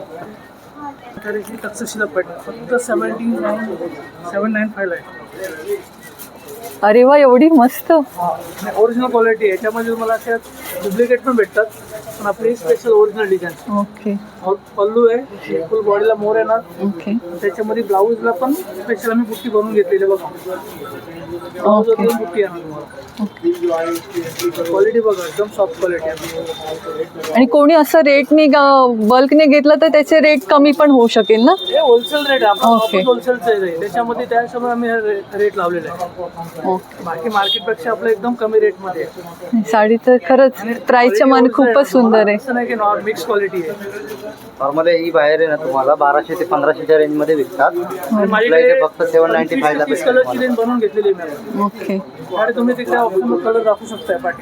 तरीही तक्षशिला पडणार फक्त 795 आहे. अरे वा, एवढी मस्त. ओरिजिनल क्वालिटी आहे. याच्यामध्ये तुम्हाला अशा डुप्लिकेट पण भेटतात, पण आपली स्पेशल ओरिजिनल डिझाईन. ओके पल्लू आहे, फुल बॉडीला मोर येणार. ओके त्याच्यामध्ये ब्लाऊजला पण स्पेशल आम्ही बुट्टी बनवून घेतलेली बघा. ब्लाऊज बुट्टी येणार तुम्हाला. क्वालिटी बघा, एकदम सॉफ्ट क्वालिटी आहे. आणि कोणी असं रेटने बल्कने घेतलं तर त्याचे रेट कमी पण होऊ शकेल ना? हे होलसेल रेट आहे. ओके. आपण होलसेलचं आहे त्याच्यामध्ये, त्याच्यामुळे आम्ही रेट लावलेला आहे. ओके. बाकी मार्केटपेक्षा आपलं एकदम कमी रेटमध्ये आहे. साडी तर खरंच प्राईसच्या मान खूपच सुंदर आहे. असं नाही की मिक्स क्वालिटी आहे. नॉर्मली ही बाहेर आहे ना तुम्हाला 1200 ते 1500च्या रेंजमध्ये विकतात. आपल्या इथे फक्त 795 ला 30 कलरची रेंज बनवून घेतलेली आहे. ओके. आणि तुम्ही तिकडे ऑप्शनल कलर दाखवू शकताय पाठी.